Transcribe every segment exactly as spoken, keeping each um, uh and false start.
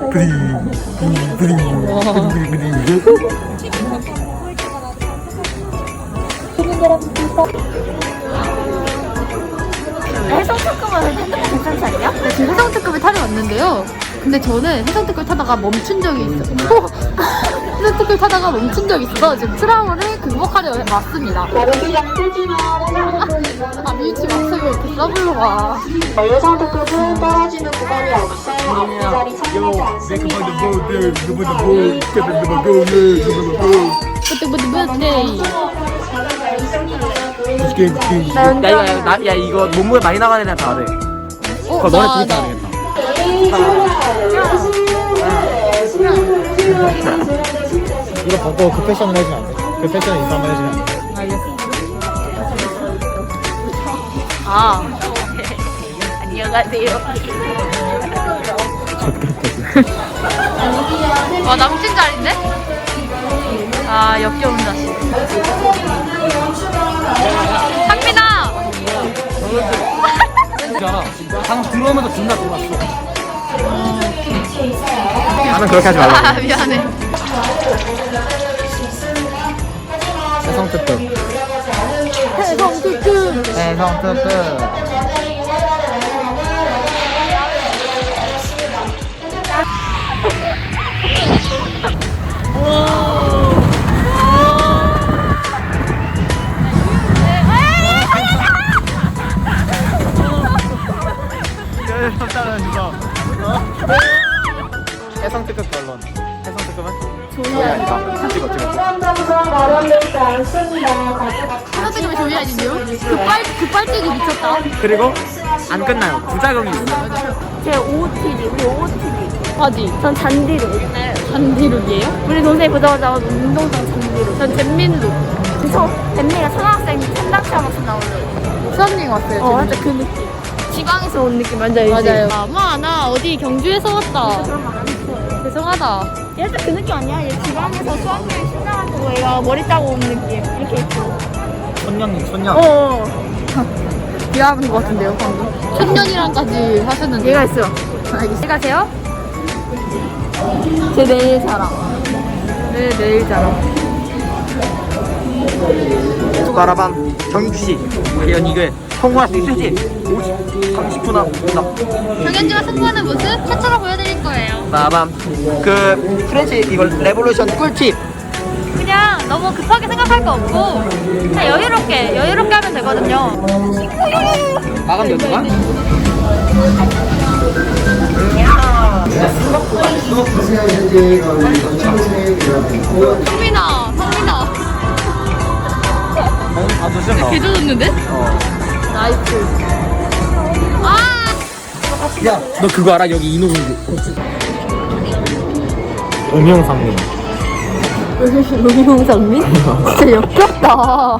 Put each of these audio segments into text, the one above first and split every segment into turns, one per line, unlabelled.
해성 특급은 괜찮지 않냐?
네, 지금 해성 특급을 타러 왔는데요. 근데 저는 해성 특급 타다가 멈춘 적이 있어요. 해성 특급 타다가 멈춘 적이 있어서 지금 트라우마를 극복하려 왔습니다. 아, 미유치 막상에 이렇게 써불러 가.
해성 특급은 떨어지는 구간이 없어 앞자리 참여하지 않습니다.
뿌뜨뿌뜨뿌뜨.
야 이거 야, 나, 야 이거 몸무게 많이 나가는 애랑 다 돼.
어,
그거 너네
나,
둘이
나.
다 되겠다.
이거 벗고 그 패션을 해주면 안 돼? 그 패션 인사 한번 해주면 안 돼?
알겠어. 아. 안녕하세요. 와, 남친 자리인데? 아, 역겨운 자식. 상민아!
방금 들어오면서 존나 돌았어. 나는 그렇게 하지 말라.
아, 미안해.
해성 특급.
해성 특급.
해성 특급. 해성 특급 결론. 해성 특급은? 조이아니다. 찍어 찍어.
마련되지 않습니다.
해성 특급이 조이아지요? 그 빨, 그 빨대기 미쳤다.
그리고 안 끝나요. 부작용이 있어.
제 오오티디, 우리 오오티디.
어디?
전 잔디룩.
잔디룩이에요?
우리 동생이 보자마자 운동장 잔디룩.
전 잼민룩.
그래서 뱀미가 초등학생 천당체 하면서 나오는.
수학여행 왔어요.
어,
잼민룩.
진짜 그 느낌. 지방에서 온 느낌 완전 알지?
맞아요. 아, 마, 나 어디 경주에서 왔다.
그런 말안 했어.
죄송하다.
얘도 그 느낌 아니야? 얘 지방에서 수학여행 신나가지고 얘가 머리 따고 온 느낌. 이렇게 있고.
천년님 천년.
어.
비하하는 것 같은데요, 방금. 천년이랑까지 하셨는데.
얘가 있어요.
알겠습니다. 가세요?
제 내일 자랑.
네, 내일 자랑.
바라밤 정익씨 과연 이걸 성공할 수 있을지 삼십 초 남았다.
정현주가 승부하는 모습 최초로 보여드릴 거예요.
바밤 그 프렌치 이걸 레볼루션 꿀팁.
그냥 너무 급하게 생각할 거 없고 그냥 여유롭게 여유롭게 하면 되거든요.
마감 연도가?
성민아, 성민아.
아 좋습니다.
개 좋았는데?
어.
나이스. 아!
야 너 그거 알아? 여기 인호공주.
음영상님.
로미홍상민? 진짜 역겹다.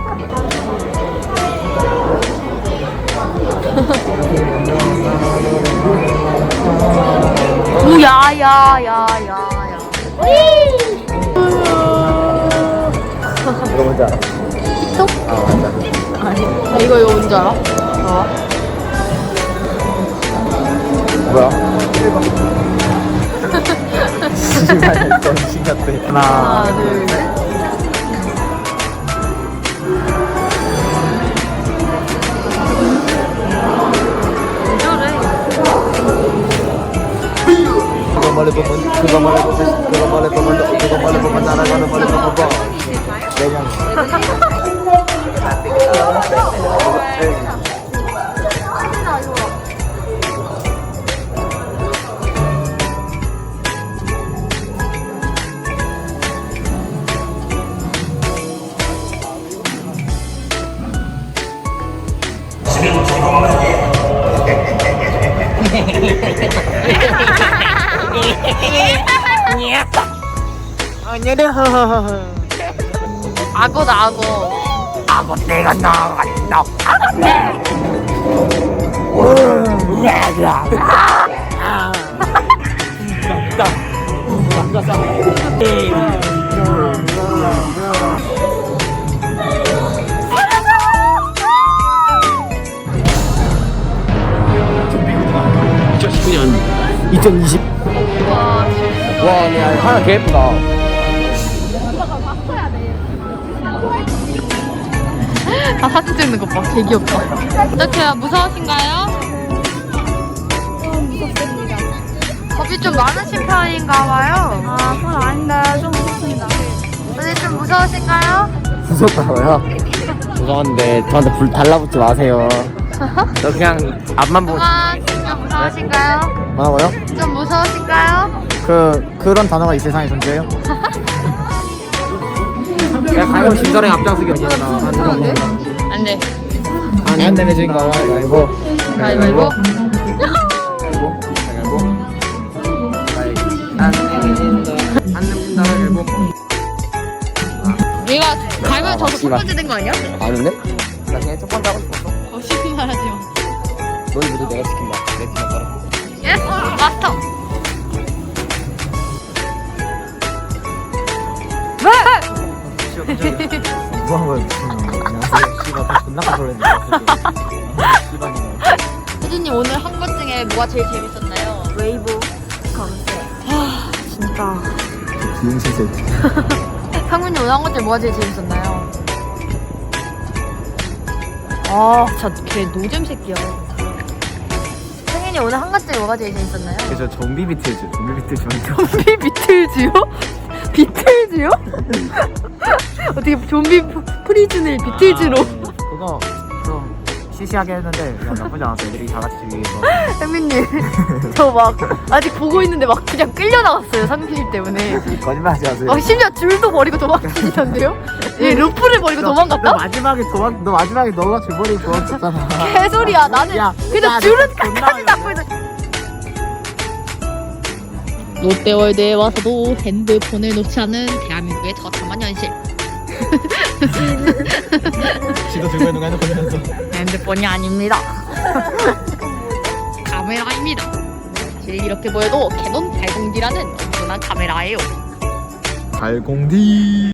우야야야야야.
이거 뭔지 알아?
틱톡?
아 맞아.
아, 이거 이거 뭔지 알아? 어.
뭐야? 신기하네. 좀 신기하대. 하나.
하나, 둘, 셋.
그거 말해 보면 그거 말해 보면 그거 말해 보면 그거 말해 보면 날아가는 말해 보면 뭐. 내년.
악어다, 악어.
악어 내가 나가겠다. 악어 내. 이천십구 년 이천이십
네, 하나 개 예쁘다.
아, 사진 찍는 것 봐. 개 귀엽다. 어떡해요? 무서우신가요?
무섭습니다.
겁이 좀 많으신 편인가 봐요.
아, 그건 아닌데 좀 무섭습니다.
선생님 좀 무서우신가요?
무섭다고요? 무서운데 저한테 불 달라붙지 마세요.
저 그냥 앞만 보고
그만. 좀 무서우신가요?
뭐라고요?
좀 무서우신가요?
그 그런 단어가 이 세상에 존재해요?
그냥 가요 신선의 앞장서기 어디나
무서운데? 안 돼.
안 되는 주인공 가위바위보.
가위바위보.
안 내민다 안 내민다 가위바위보.
얘가 가위바위보 져서 첫
씨발.
번째 된 거 아니야?
아닌데? 나 그냥 첫 번째 하고 싶었어.
어, 쉽게 말하지 마.
너희 모두 내가 시킨다. 내 팀에 따라.
예스! 마스터!
무한 거야 미친놈. 안녕하세요. 씨발 다 존나 까불었네. 씨발이네.
혜진님 오늘 한 것 중에 뭐가 제일 재밌었나요?
웨이브 검색.
진짜.
비응신 새끼.
상민님 오늘 한 것 중에 뭐가 제일 재밌었나요? 아, 진짜 걔 노잼 새끼야. 상민이 오늘 한 것 중에 뭐가 제일 재밌었나요?
그저 좀비 비틀즈. 좀비 비틀즈 먼저.
좀비 비틀즈요? 비틀즈요? 어떻게 좀비 프- 프리즌을 비틀즈로?
그거 좀 시시하게 했는데 그냥 나쁘지 않았어. 애들이 다 같이 즐기서.
상민님 저 막 아직 보고 있는데 막 그냥 끌려 나갔어요. 상민님 때문에.
거짓말하지 마세요.
막 심지어 줄도 버리고 도망치시던데요? 예, 루프를 버리고
너
도망갔다?
마지막에 도망 너 마지막에 너가 줄버리고 도망쳤잖아.
개소리야. 나는
야,
그냥
야,
줄은
나 존나
끝까지 잡고 있는. 롯데월드에 와서도 핸드폰을 놓지 않은 대한민국의 저참한 현실.
지도 들고 있는 거 핸드폰이면서.
핸드폰이 아닙니다. 카메라입니다. 사실 이렇게 보여도 캐논 팔공디라는 엄청난 카메라예요.
팔공디.